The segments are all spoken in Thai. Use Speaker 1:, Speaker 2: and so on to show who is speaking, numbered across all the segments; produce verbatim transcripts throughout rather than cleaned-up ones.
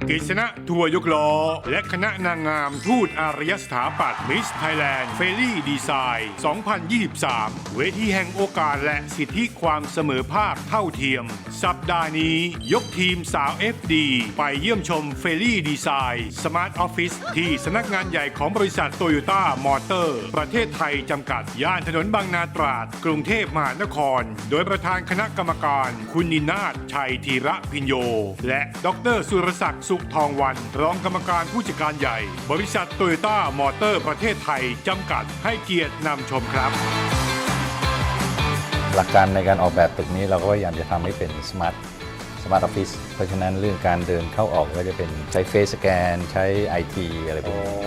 Speaker 1: กฤษณะทัวร์ยกล้อและคณะนางงามทูตอารยสถาปัตย์มิสไทยแลนด์เฟรลี่ดีไซน์สองพันยี่สิบสามเวทีแห่งโอกาสและสิทธิความเสมอภาคเท่าเทียมสัปดาห์นี้ยกทีมสาว เอฟ ดี ไปเยี่ยมชมเฟรลี่ดีไซน์สมาร์ทออฟฟิศที่สำนักงานใหญ่ของบริษัทโตโยต้ามอเตอร์ประเทศไทยจำกัดย่านถนนบางนาตราดกรุงเทพมหานครโดยประธานคณะกรรมการคุณนินาถชัยธีระพิญโยและดรสุรศักดิ์สุขทองวันรองกรรมการผู้จัดการใหญ่บริษัทโตโยต้ามอเตอร์ประเทศไทยจำกัดให้เกียรตินำชมครับ
Speaker 2: หลักการในการออกแบบตึกนี้เราก็พยายามจะทำให้เป็นสมาร์ทสมาร์ทออฟฟิศเพราะฉะนั้นเรื่องการเดินเข้าออกก็จะเป็นใช้เฟซสแกนใช้ ไอ ที อะไรพวกนี้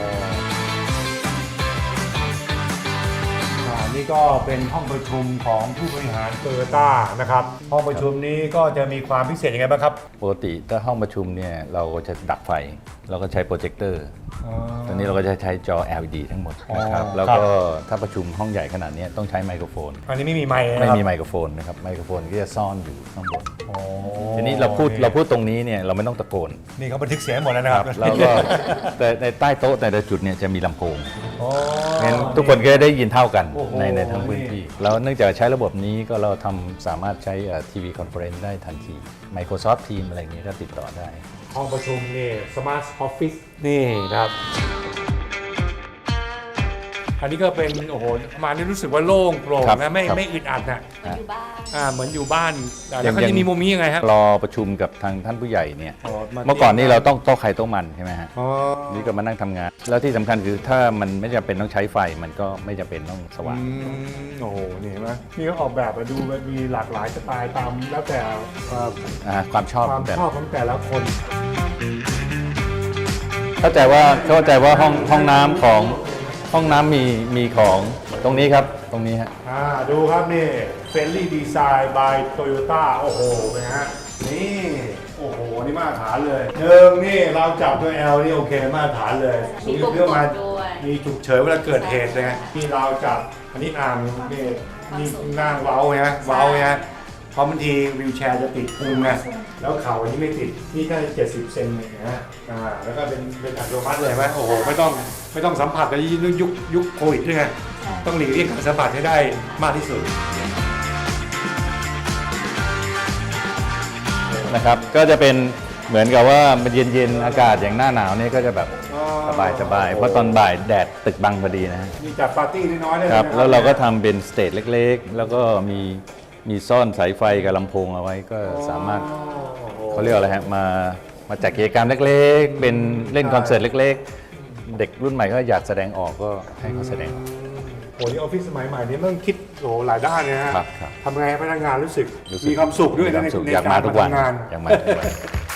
Speaker 1: นี่ก็เป็นห้องประชุมของผู้บริหารโตโยต้านะครับห้องประชุมนี้ก็จะมีความพิเศษยังไงบ้างครับ
Speaker 2: ปกติถ้าห้องประชุมเนี่ยเราก็จะดับไฟเราก็ใช้โปรเจคเตอร์ตอนนี้เราก็จะใช้จอ แอล อี ดี ทั้งหมดนะครับแล้วก็ถ้าประชุมห้องใหญ่ขนาดนี้ต้องใช้ไมโครโฟน
Speaker 1: อันนี้ไม่มีไมค์
Speaker 2: ไม่มีไมโครโฟนนะครับไมโครโฟนก็จะซ่อนอยู่ข้างบนทีนี้เราพูดเราพูดตรงนี้เนี่ยเราไม่ต้องตะโกน
Speaker 1: นี่เขาบันทึกเสียงหมดแล้วนะครับ
Speaker 2: แล้วก็แต่ในใต้โต๊ะแต่ละจุดเนี่ยจะมีลำโพงงั้นทุกคนก็ได้ยินเท่ากันในในทั้งพื้นที่แล้วเนื่องจากใช้ระบบนี้ก็เราทำสามารถใช้ทีวีคอนเฟอเรนซ์ได้ทันที Microsoft Teams อะไรอย่างนี้ก็ติดต่อได้
Speaker 1: ห้องประชุมนี่สมาร์ทออฟฟิศนี่นะครับอันนี้ก็เป็นโอ้โหมานี่รู้สึกว่าโล่งโปร่งนะไม่ไม่อึดอัดนะ
Speaker 3: อยู่บ้าน
Speaker 1: อ่าเหมือนอยู่บ้านแล้วก็จะมีมุมนี้ยังไงฮะ
Speaker 2: รอประชุมกับทางท่านผู้ใหญ่เนี่ยเมื่อก่อนนี้เราต้องโต๊ะใครโต๊ะมันใช่ไหมฮะนี่ก็มานั่งทำงานแล้วที่สำคัญคือถ้ามันไม่จำเป็นต้องใช้ไฟมันก็ไม่จำเป็นต้องสว่าง
Speaker 1: โอ้โหนี่เห็นไหมนี่ก็ออกแบบมาดูมีหลากหลายสไตล์ตามแล้วแต่
Speaker 2: ความชอบ
Speaker 1: ความชอบของแต่ละคน
Speaker 2: เข้าใจว่าเข้าใจว่าห้องห้องน้ำของห้องน้ำมีมีของตรงนี้ครับตรงนี้ฮะ
Speaker 1: อ่าดูครับนี่เฟรนลี่ดีไซน์บายโตโยต้าโอ้โหเป็นฮะนี่โอ้โหนี่มาตรฐานเลยหนึ่งนี่เราจับด้วย L นี่โอเคมาตรฐานเลย
Speaker 3: มีปุ่มกดด้วย
Speaker 1: มีฉุกเฉินเวลาเกิดเหตุเลยนี่เราจับอันนี้อ่างนี่นี่นั่งเว้าไงเว้าไงเพราะบางทีวิวแชร์จะติดพุงไงแล้วเข่าอันนี้ไม่ติดนี่แค่เจ็ดสิบเซนเองนะอ่าแล้วก็เป็นเป็นอัตโนมัติเลยไหมโอ้โหไม่ต้องไม่ต้องสัมผัสในยุคยุคโควิดด้วยไงต้องหลีกเลี่ยงการสัมผัสให้ได้มากที่สุด
Speaker 2: นะครับก็จะเป็นเหมือนกับว่ามันเย็นๆอากาศอย่างหน้าหนาวนี่ก็จะแบบสบายสบายเพราะตอนบ่ายแดดตึกบังพอดีนะฮะ
Speaker 1: มีจัดปาร์ตี้น้อยๆได้
Speaker 2: ครับแล้วเราก็ทำเป็นสเตจเล็กๆแล้วก็มีมีซ่อนสายไฟกับลำโพงเอาไว้ก็สามารถเขาเรียกอะไรฮะมามาจัดกิจกรรมเล็กๆเป็นเล่นคอนเสิร์ตเล็กๆเด็กรุ่นใหม่ก็อยากแสดงออกก็ให้เขาแสดง
Speaker 1: โอ้ยออฟฟิศสมัยใหม่นี้ต้องคิดโอ้หลายด้านเลยนะทำไงให้พนักงานรู้สึกมีความสุขด้วยใน
Speaker 2: อยากมาทุกวันอยากมาทุกวัน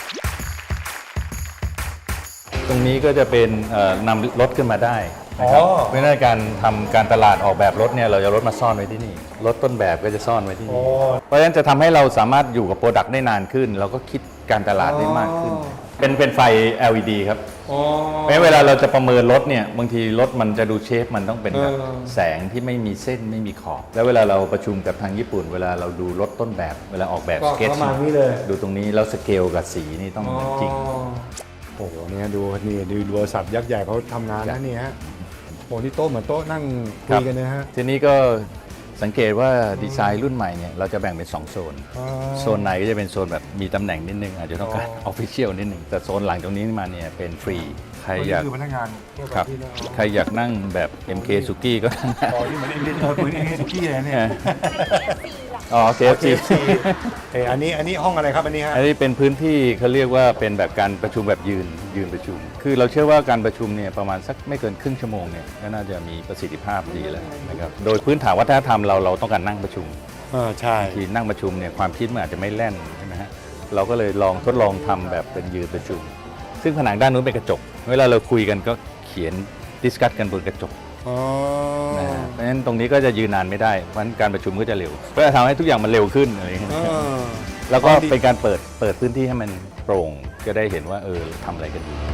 Speaker 2: ตรงนี้ก็จะเป็นนำรถขึ้นมาได้นะครับเพราะฉะนั้นการทำการตลาดออกแบบรถเนี่ยเราจะรถมาซ่อนไว้ที่นี่รถต้นแบบก็จะซ่อนไว้ที่นี่เพราะฉะนั้นจะทำให้เราสามารถอยู่กับโปรดักต์ได้นานขึ้นเราก็คิดการตลาดได้มากขึ้นเป็นเป็นไฟ แอล อี ดี ครับแม้เวลาเราจะประเมินรถเนี่ยบางทีรถมันจะดูเชฟมันต้องเป็นแบบแสงที่ไม่มีเส้นไม่มีขอบแล้วเวลาเราประชุมกับทางญี่ปุ่นเวลาเราดูรถต้นแบบเวลาออกแบบสเก็ตดูตรงนี้แล้วสเกลกับสีนี่ต้องจริง
Speaker 1: โอ้โหเนี่ยดูนี่ดูบริษัทยักษ์ใหญ่เขาทำงานนะนี่ฮะโอ้นี่โต๊ะเหมือนโต๊ะนั่งคุยกันนะฮะ
Speaker 2: ทีนี้ก็สังเกตว่าดีไซน์รุ่นใหม่เนี่ยเราจะแบ่งเป็นสองโซนโซนไหนก็จะเป็นโซนแบบมีตำแหน่งนิดนึงอาจจะต้องการออฟฟิเชียลนิดนึงแต่โซนหลังตรงนี้มาเนี่ยเป็นฟรีใครอยาก
Speaker 1: คือพนักงาน
Speaker 2: ครับใครอยากนั่งแบบ เอ็ม เค สุกี้ก็นั่ง
Speaker 1: อ๋อที่เหมือนเอ็ม เค เหมือนเอ็ม เค สุกี้เลยเนี่ย
Speaker 2: อ๋อ เค เอฟ ซี
Speaker 1: เอออันนี้อันนี้ห้องอะไรครับอันนี้ฮะ
Speaker 2: อันนี้เป็นพื้นที่เขาเรียกว่าเป็นแบบการประชุมแบบยืนยืนประชุมคือเราเชื่อว่าการประชุมเนี่ยประมาณสักไม่เกินครึ่งชั่วโมงเนี่ยก็น่าจะมีประสิทธิภาพดีแล้วนะครับโดยพื้นฐานวัฒนธรรมเราเราต้องการนั่งประชุม
Speaker 1: อ่าใช่
Speaker 2: ทีนั่งประชุมเนี่ยความคิดมันอาจจะไม่แล่นใช่ไหมฮะเราก็เลยลองทดลองทำแบบเป็นยืนประชุมซึ่งผนังด้านนู้นเป็นกระจกเวลาเราคุยกันก็เขียนดิสคัสกันบนกระจกนะฮะเพราะฉะนั้นตรงนี้ก็จะยืนนานไม่ได้เพราะฉะนั้นการประชุมก็จะเร็วเพื่อทำให้ทุกอย่างมันเร็วขึ้นอะไรอย่างเงี้ยแล้วก็เป็นการเปิดเปิดพื้นที่ให้มันโปร่งจะได้เห็นว่าเออทำอะไรกันอยู่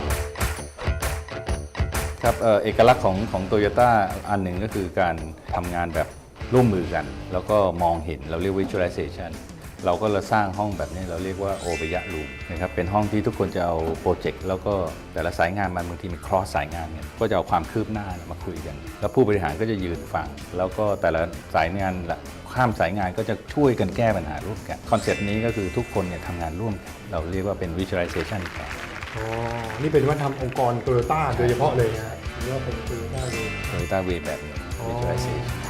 Speaker 2: ครับเอกลักษณ์ของของโตโยต้าอันหนึ่งก็คือการทำงานแบบร่วมมือกันแล้วก็มองเห็นเราเรียก visualization เราก็เลยสร้างห้องแบบนี้เราเรียกว่าโอเบยะรูมนะครับเป็นห้องที่ทุกคนจะเอาโปรเจกต์แล้วก็แต่ละสายงานมันบางทีมีครอสสายงานเนี่ยก็จะเอาความคืบหน้ามาคุยกันแล้วผู้บริหารก็จะยืนฟังแล้วก็แต่ละสายงานข้ามสายงานก็จะช่วยกันแก้ปัญหาร่วมกันคอนเซ็ปต์นี้ก็คือทุกคนเนี่ยทำงานร่วมกันเราเรียกว่าเป็น visualization แทน
Speaker 3: อ๋อนี่เป็นวัฒนธรรมองค์กรโตโยต้าโดยเฉพาะเลยนะหรือว่าเป็นโตโยต้าเลย
Speaker 2: Toyota Way แบบนี้ visualization